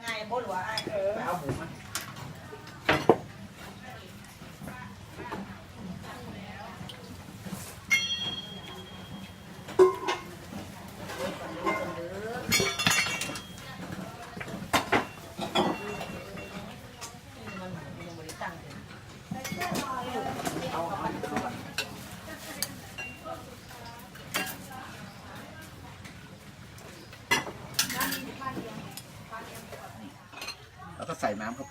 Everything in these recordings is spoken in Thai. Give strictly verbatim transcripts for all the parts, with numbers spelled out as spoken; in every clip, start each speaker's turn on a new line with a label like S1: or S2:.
S1: ไงโบหลัวไอ้เออเอาหมูมาแล้วก็ใส่น้ำเข้าไป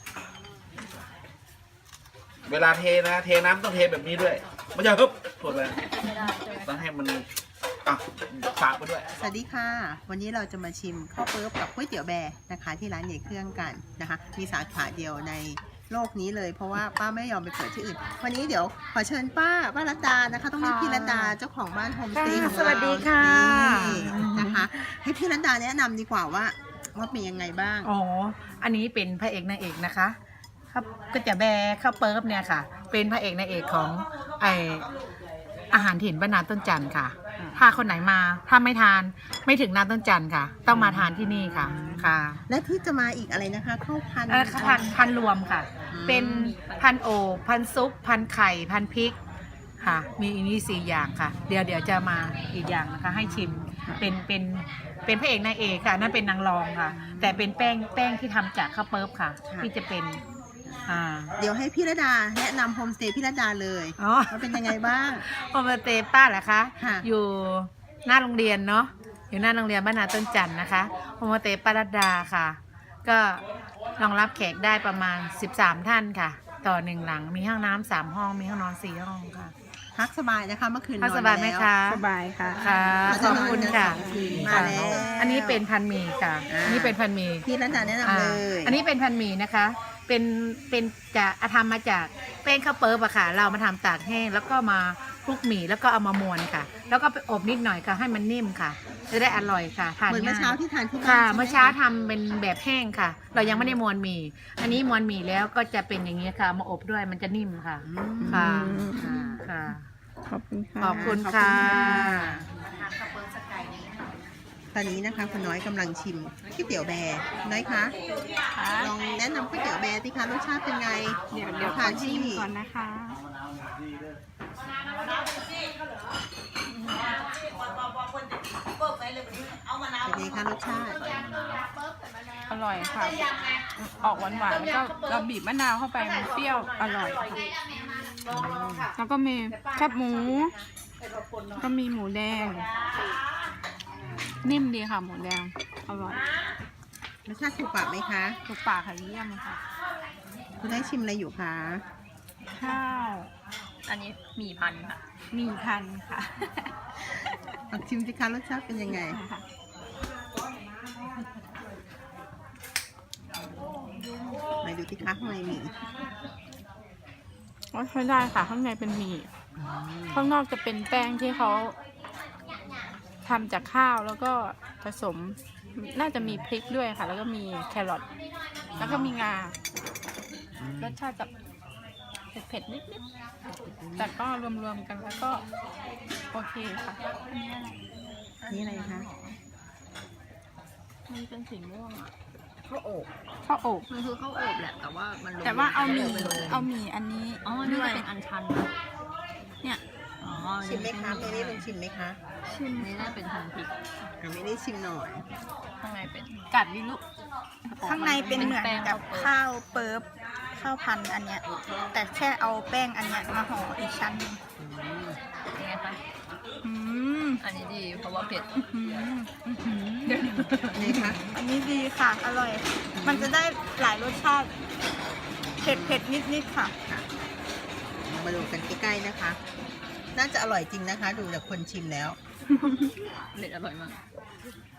S1: เวลาเทนะเทน้ำต้องเทแบบนี้ด้วยไม่ใช่ครับถูกเลยต้องให้มันอ่ะฝากไปด้วย
S2: สวัสดีค่ะวันนี้เราจะมาชิมข้าวเปิ๊บกับก๋วยเตี๋ยวแบร์นะคะที่ร้านใหญ่เครื่องกันนะคะมีสาขาเดียวในโลกนี้เลยเพราะว่าป้าไม่ยอมไปเปิดที่อื่นวันนี้เดี๋ยวขอเชิญป้าป้ารัตดานะคะต้องเรียกพี่รัตดาเจ้าของบ้านโฮมสเตย์ของเรา
S3: สวัสดีค่ะ
S2: นะคะให้พี่รัตดาแนะนำดีกว่าว่าว่าเป็นยังไงบ้าง
S3: อ๋ออันนี้เป็นพระเอกนางเอกนะคะครับก็จะแบร์ข้าวเปิ๊บเนี่ยค่ะเป็นพระเอกนางเอกของไออาหารถิ่นบ้านนาต้นจันทร์ค่ะถ้าคนไหนมาถ้าไม่ทานไม่ถึงนาต้นจันทร์ค่ะต้องมาทานที่นี่ค่ะค่ะ
S2: และที่จะมาอีกอะไรนะคะข้าวพัน
S3: เออพันพันรวมค่ะเป็นพันโอบพันซุปพันไข่พันพริกค่ะมีอันนี้สี่อย่างค่ะเดี๋ยวเดี๋ยวจะมาอีกอย่างนะคะให้ชิมเป็นเป็นเป็นพระเอกนางเอกค่ะนั่นเป็นนางรองค่ะแต่เป็นแป้งแป้งที่ทำจากข้าวเปิ๊บค่ะที่จะเป็นอ่า
S2: เดี๋ยวให้พี่รัตดาแนะนำโฮมสเตย์พี่รัตดาเลยว่าเป็นยังไงบ้าง
S3: โฮมสเตย์ป้าเหรอคะอยู่หน้าโรงเรียนเนาะอยู่หน้าโรงเรียนบ้านนาต้นจันทร์นะคะโฮมสเตย์ป้ารัตดาค่ะก็รองรับแขกได้ประมาณสิบสามท่านค่ะต่อหนึ่งหลังมีห้องน้ำสามห้องมีห้องนอนสี่ห้องค่ะ
S2: พักสบายนะคะเมื่อคืนนอน
S3: พักสบายไหมคะ
S2: สบายค่ะ
S3: ค่ะขอบคุณค่ะ
S2: มาแล้ว
S3: อันนี้เป็นพันหมี่ค่ะอันนี้เป็นพันหมี่
S2: พี่รัตดาแนะนำเลย
S3: อันนี้เป็นพันหมี่นะคะเป็นเป็นจะทำมาจากแป้งข้าวเปิ๊บอะค่ะเรามาทำตากแห้งแล้วก็มาคลุกหมี่แล้วก็เอามามวนค่ะแล้วก็ไปอบนิดหน่อยค่ะให้มันนิ่มค่ะจะได้อร่อยค่ะทาน
S2: เหมือนเมื่อเช้าที่ทานที่บ้าน
S3: ค่ะเมื่อเช้าทำเป็นแบบแห้งค่ะเรายังไม่ได้มวนหมี่อันนี้มวนหมี่แล้วก็จะเป็นอย่างนี้ค่ะมาอบด้วยมันจะนิ่มค่ะค่ะค่ะ
S2: ขอบคุณค่ะ
S3: ขอบคุณค่ะ
S2: ตอนนี้นะคะคุณน้อยกำลังชิมก๋วยเตี๋ยวแบร์น้อยคะลองแนะนำก๋วยเตี๋ยวแบร์สิคะรสชาติเป็นไง
S4: เดี๋ยวเดี๋ยวทานชิมก่อนนะคะ
S2: เป็นไงคะรสชาติ
S4: อร่อยค่ะออกหวานหวานแล้วก็เราบีบมะนาวเข้าไปมันเปรี้ยวอร่อยแล้วก็มีแคบหมูก็มีหมูแดงนิ่มดีค่ะหมูแดงอร่อย
S2: รสชาติถูกปากไหมคะ
S4: ถูกปากค่ะเยี่ยมค่ะ
S2: คุณได้ชิมอะไรอยู่คะ
S4: ข้าว
S5: อันนี้หมี่พันค่ะ
S4: หมี่พันค่ะ
S2: ชิมสิคะรสชาติเป็นยังไงไหนดูสิคะข้างในมี
S4: ก็ใช้ได้ค่ะข้างในเป็นหมี่ข้างนอกจะเป็นแป้งที่เขาทำจากข้าวแล้วก็ผสมน่าจะมีพริกด้วยค่ะแล้วก็มีแครอทแล้วก็มีงารสชาติจะเผ็ดๆนิดๆแต่ก็รวมๆกันแล้วก็โอเคค่ะ
S2: นี่อะไรคะ
S4: มันเป็นสีม่วงอ่ะ
S5: ข้าวอบ
S4: ข้าวอบ
S5: มันคือข้าวอบแหละแต่ว่ามัน
S4: แต่ว่าเอาหมี่เอาหมี่อันนี้
S5: อ๋อนี่เป็นอันชัน
S4: เนี่ย
S5: อ๋อ
S2: ชิมไหมคะไม่ได้เป็นชิมไหมคะ
S5: ชิมนี่น่าเป็นพันพริก
S2: ไม่ได้ชิมหน่อย
S5: ข้างในเป็น
S4: กัดดิลูก
S6: ข้างในเป็นเหมือนกับข้าวเปิ๊บข้าวพันอันเนี้ยแต่แค่เอาแป้งอันเนี้ยมาห่ออีกชั้นนึง
S5: ยังไงคะ
S6: อืม
S5: อันนี้ดีเพราะว่าเผ็ด
S2: นี่ค่ะ
S6: อันนี้ดีค่ะอร่อยมันจะได้หลายรสชาติเผ็ดเผ็ดนิดนิดค่ะ
S2: มาดูกันใกล้ๆนะคะน่าจะอร่อยจริงนะคะดูจากคนชิมแล้ว
S5: เผ็ดอร่อยมาก